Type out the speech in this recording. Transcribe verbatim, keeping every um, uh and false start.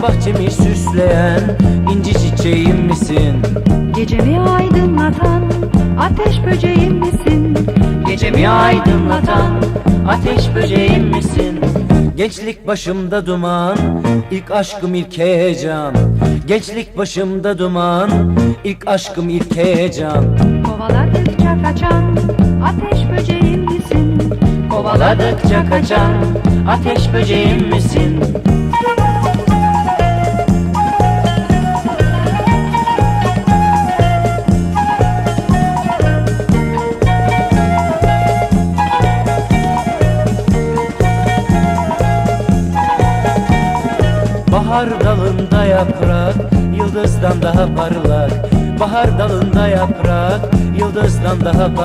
bahçemi süsleyen inci çiçeğim misin? Gecemi aydınlatan ateş böceğim misin? Gecemi aydınlatan ateş böceğim misin? Gençlik başımda duman, ilk aşkım ilk heyecan. Gençlik başımda duman, ilk aşkım ilk heyecan. Kovaladıkça kaçan ateş böceğim misin? Kovaladıkça kaçan ateş böceğim misin? Bahar dalında yaprak, yıldızdan daha parlak. Bahar dalında yaprak, yıldızdan daha parlak.